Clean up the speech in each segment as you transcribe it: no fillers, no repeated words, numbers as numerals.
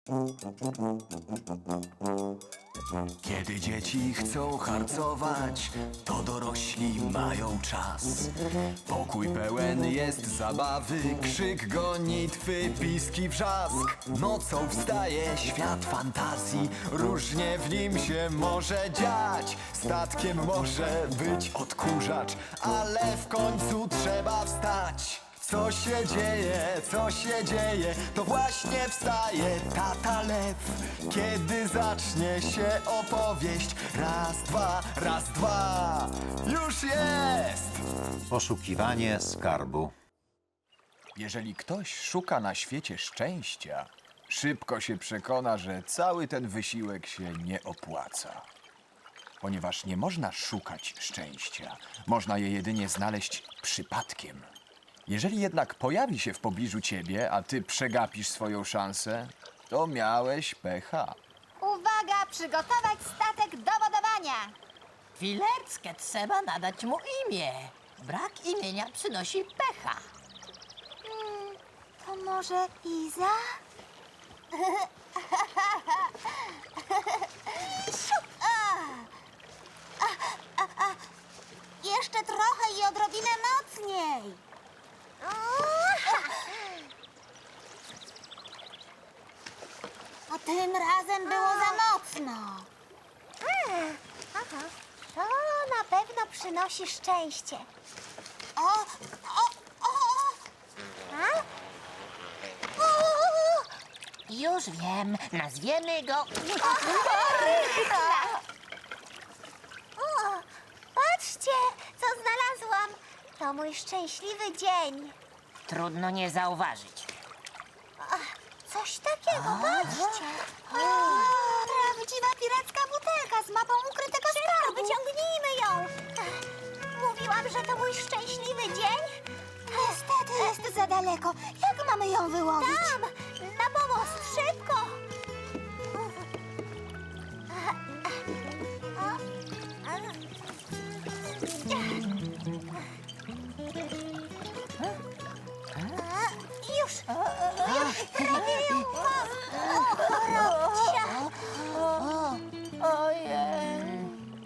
Kiedy dzieci chcą harcować, to dorośli mają czas. Pokój pełen jest zabawy, krzyk, gonitwy, piski, wrzask. Nocą wstaje świat fantazji, różnie w nim się może dziać. Statkiem może być odkurzacz, ale w końcu trzeba wstać. Co się dzieje, co się dzieje, to właśnie wstaje tata lew. Kiedy zacznie się opowieść, raz, dwa, już jest! Poszukiwanie skarbu. Jeżeli ktoś szuka na świecie szczęścia, szybko się przekona, że cały ten wysiłek się nie opłaca. Ponieważ nie można szukać szczęścia, można je jedynie znaleźć przypadkiem. Jeżeli jednak pojawi się w pobliżu ciebie, a ty przegapisz swoją szansę, to miałeś pecha. Uwaga, przygotować statek do wodowania. Chwileczkę, trzeba nadać mu imię. Brak imienia przynosi pecha. To może Iza? Jeszcze trochę i odrobinę mocniej. A tym razem było za mocno. To na pewno przynosi szczęście. O! Już wiem, nazwiemy go... Patrzcie, co znalazłam. To mój szczęśliwy dzień. Trudno nie zauważyć. Coś takiego, patrzcie. Prawdziwa piracka butelka z mapą ukrytego skarbu. Wyciągnijmy ją. Mówiłam, że to mój szczęśliwy dzień. Niestety jest za daleko. Jak mamy ją wyłowić? Tam, na pomost, szybko. Już prawie ją mam. Robcia. Ojej.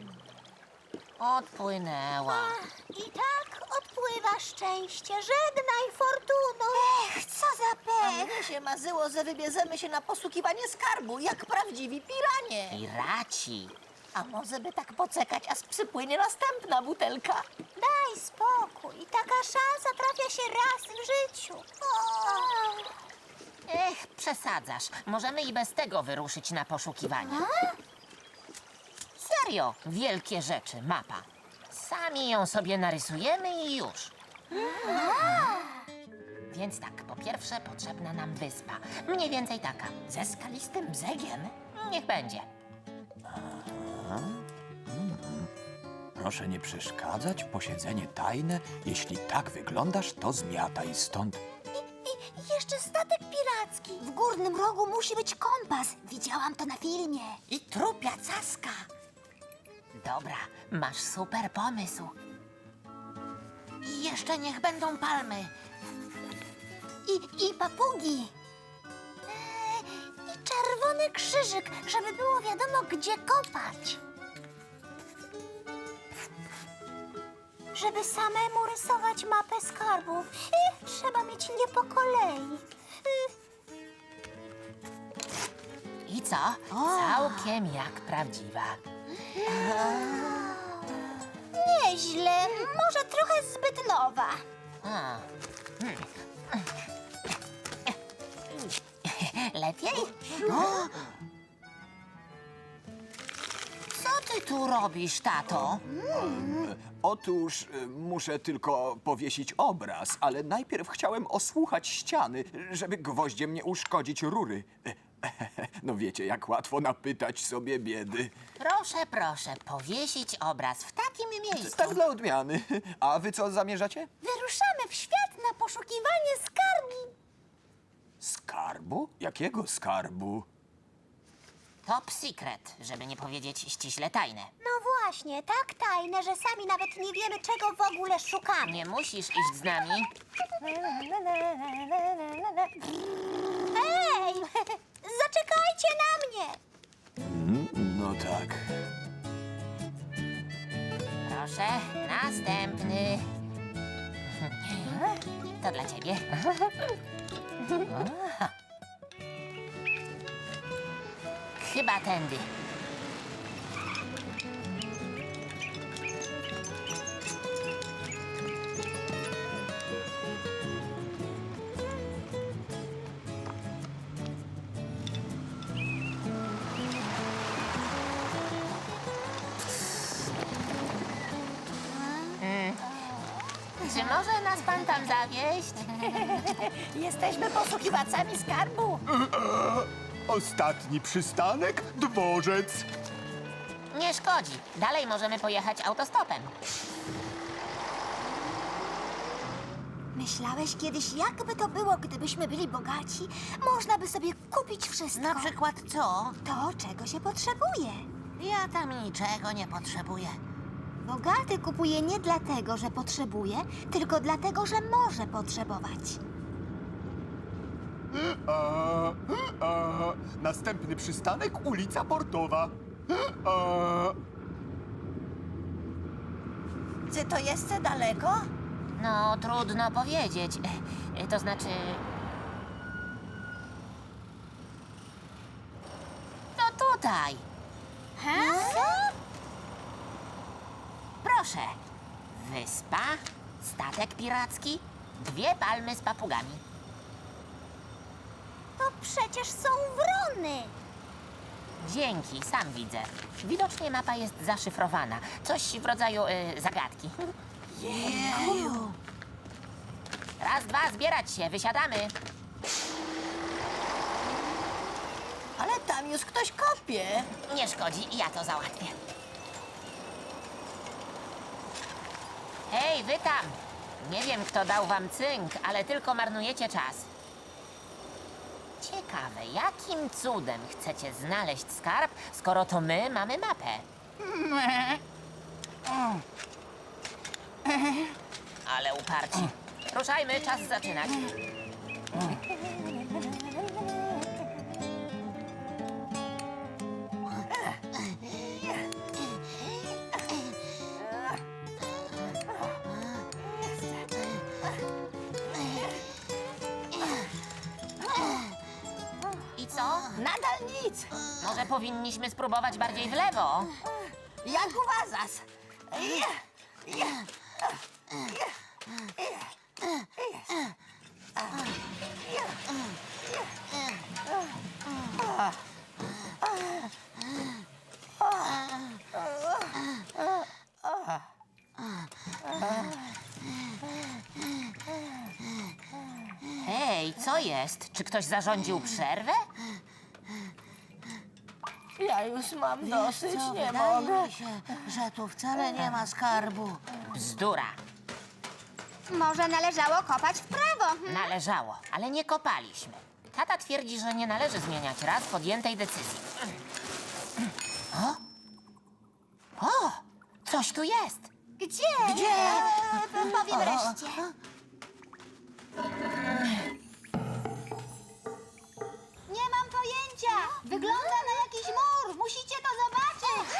Odpłynęła. I tak odpływa szczęście. Żegnaj, fortuno. Co za pech. Mnie się marzyło, że wybierzemy się na poszukiwanie skarbu, jak prawdziwi piranie. Piraci. A może by tak poczekać, aż przypłynie następna butelka? Daj spokój. Taka szansa trafia się raz w życiu. Ech, przesadzasz. Możemy i bez tego wyruszyć na poszukiwanie. Serio, wielkie rzeczy, mapa. Sami ją sobie narysujemy i już. Więc tak, po pierwsze potrzebna nam wyspa. Mniej więcej taka, ze skalistym brzegiem. Niech będzie. Proszę nie przeszkadzać, posiedzenie tajne. Jeśli tak wyglądasz, to zmiataj stąd. I jeszcze statek piracki. W górnym rogu musi być kompas. Widziałam to na filmie. I trupia caska. Dobra, masz super pomysł. I jeszcze niech będą palmy. I papugi. I czerwony krzyżyk, żeby było wiadomo, gdzie kopać. Żeby samemu rysować mapę skarbu, trzeba mieć nie po kolei. I co? Całkiem jak prawdziwa. Nieźle, może trochę zbyt nowa. A. Lepiej? Co ty tu robisz, tato? Otóż muszę tylko powiesić obraz, ale najpierw chciałem osłuchać ściany, żeby gwoździem nie uszkodzić rury. No wiecie, jak łatwo napytać sobie biedy. Proszę, proszę, powiesić obraz w takim miejscu. Tak dla odmiany. A wy co zamierzacie? Wyruszamy w świat na poszukiwanie skarbu. Skarbu? Jakiego skarbu? Top secret, żeby nie powiedzieć ściśle tajne. No właśnie, tak tajne, że sami nawet nie wiemy, czego w ogóle szukamy. Nie musisz iść z nami. Ej, zaczekaj! No tak. Proszę, następny. To dla ciebie. Chyba tędy. Czy może nas pan tam zawieźć? Jesteśmy poszukiwacami skarbu. Ostatni przystanek dworzec. Nie szkodzi. Dalej możemy pojechać autostopem. Myślałeś kiedyś, jakby to było, gdybyśmy byli bogaci? Można by sobie kupić wszystko. Na przykład co? To, czego się potrzebuje. Ja tam niczego nie potrzebuję. Bogaty kupuje nie dlatego, że potrzebuje, tylko dlatego, że może potrzebować. Następny przystanek ulica Portowa. Czy to jest za daleko? No, trudno powiedzieć. To znaczy... To tutaj. Proszę. Wyspa, statek piracki, 2 palmy z papugami. To przecież są wrony. Dzięki, sam widzę. Widocznie mapa jest zaszyfrowana. Coś w rodzaju zagadki. Jeju. Raz, dwa, zbierać się, wysiadamy. Ale tam już ktoś kopie. Nie szkodzi, ja to załatwię. Hej, wy tam! Nie wiem, kto dał wam cynk, ale tylko marnujecie czas. Ciekawe, jakim cudem chcecie znaleźć skarb, skoro to my mamy mapę? Ale uparci. Ruszajmy, czas zaczynać. I co? Nadal nic. Może powinniśmy spróbować bardziej w lewo? Jak uważasz? Hej, co jest? Czy ktoś zarządził przerwę? Ja już mam dosyć, nie mogę. Mi się, że tu wcale nie ma skarbu. Bzdura. Może należało kopać w prawo. Należało, ale nie kopaliśmy. Tata twierdzi, że nie należy zmieniać raz podjętej decyzji. O! O! Coś tu jest! Gdzie? Gdzie? Powiem wreszcie. Nie mam pojęcia. Wygląda na jakiś mur. Musicie to zobaczyć.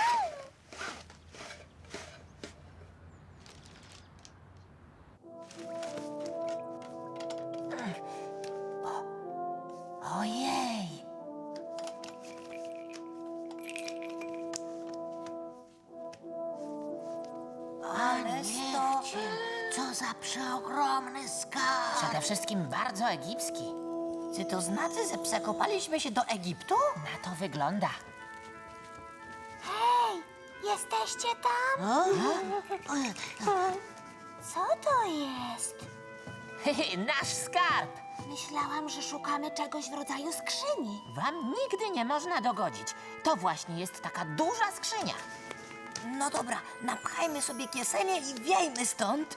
Ojej! Ale to, co za przeogromny skarb. Przede wszystkim bardzo egipski. Czy to znaczy, że przekopaliśmy się do Egiptu? Na to wygląda. Hej, jesteście tam? Co to jest? Nasz skarb! Myślałam, że szukamy czegoś w rodzaju skrzyni. Wam nigdy nie można dogodzić. To właśnie jest taka duża skrzynia. No dobra, napchajmy sobie kieszenie i wiejmy stąd.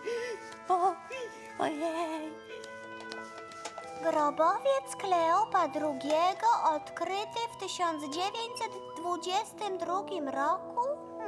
Ojej. Grobowiec Kleopa II odkryty w 1922 roku?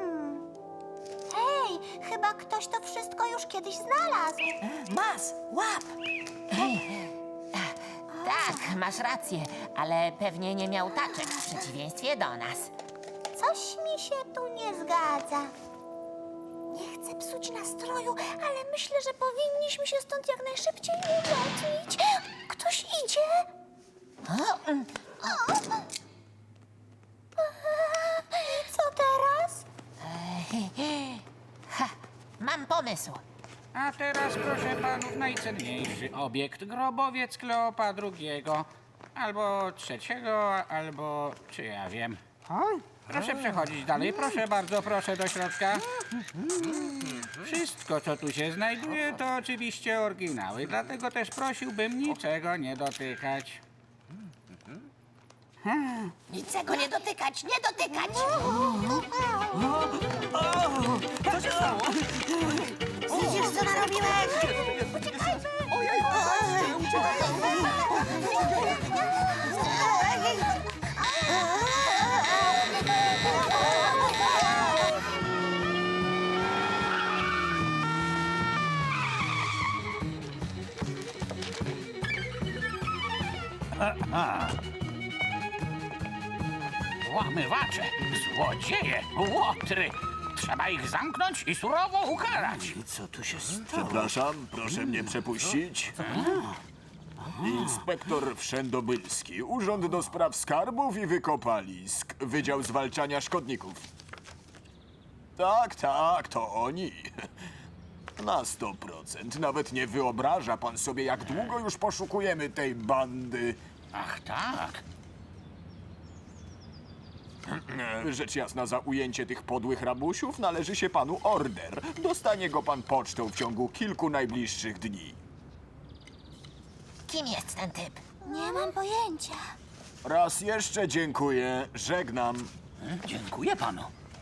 Hej, chyba ktoś to wszystko już kiedyś znalazł. Mas, łap! Tak, masz rację, ale pewnie nie miał taczek w przeciwieństwie do nas. Coś mi się tu nie zgadza. Nie chcę psuć nastroju, ale myślę, że powinniśmy się stąd jak najszybciej ulotnić. Ktoś idzie? I co teraz? Mam pomysł. A teraz proszę panów najcenniejszy obiekt, grobowiec Kleopa II. Albo trzeciego, albo czy ja wiem. Proszę przechodzić dalej, proszę bardzo, proszę do środka. Wszystko, co tu się znajduje, to oczywiście oryginały, dlatego też prosiłbym niczego nie dotykać. Niczego nie dotykać, nie dotykać! Widzisz, co narobiłeś? Łamywacze, złodzieje, łotry. Trzeba ich zamknąć i surowo ukarać. Przepraszam, proszę mnie przepuścić. Inspektor Wszędobylski, Urząd do Spraw Skarbów i Wykopalisk, Wydział Zwalczania Szkodników. Tak, tak, to oni. Na 100%. Nawet nie wyobraża pan sobie, jak długo już poszukujemy tej bandy. Ach tak. Rzecz jasna, za ujęcie tych podłych rabusiów należy się panu order. Dostanie go pan pocztą w ciągu kilku najbliższych dni. Kim jest ten typ? Nie mam pojęcia. Raz jeszcze dziękuję. Żegnam. Dziękuję panu.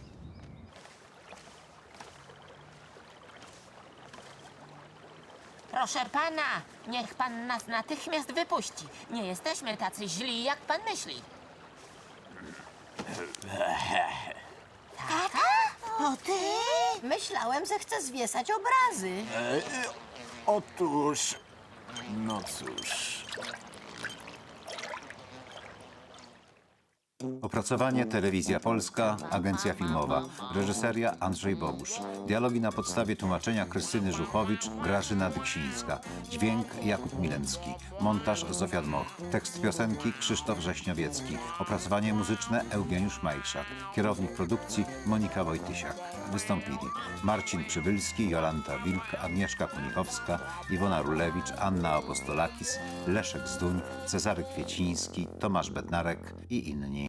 Proszę pana, niech pan nas natychmiast wypuści. Nie jesteśmy tacy źli, jak pan myśli. To ty? Myślałem, że chcę zwiesać obrazy. Otóż... No cóż... Opracowanie Telewizja Polska, Agencja Filmowa. Reżyseria Andrzej Bogusz. Dialogi na podstawie tłumaczenia Krystyny Żuchowicz, Grażyna Dyksińska. Dźwięk Jakub Milencki. Montaż Zofia Dmoch. Tekst piosenki Krzysztof Rześniowiecki. Opracowanie muzyczne Eugeniusz Majszak. Kierownik produkcji Monika Wojtysiak. Wystąpili Marcin Przybylski, Jolanta Wilk, Agnieszka Kunikowska, Iwona Rulewicz, Anna Apostolakis, Leszek Zduń, Cezary Kwieciński, Tomasz Bednarek i inni.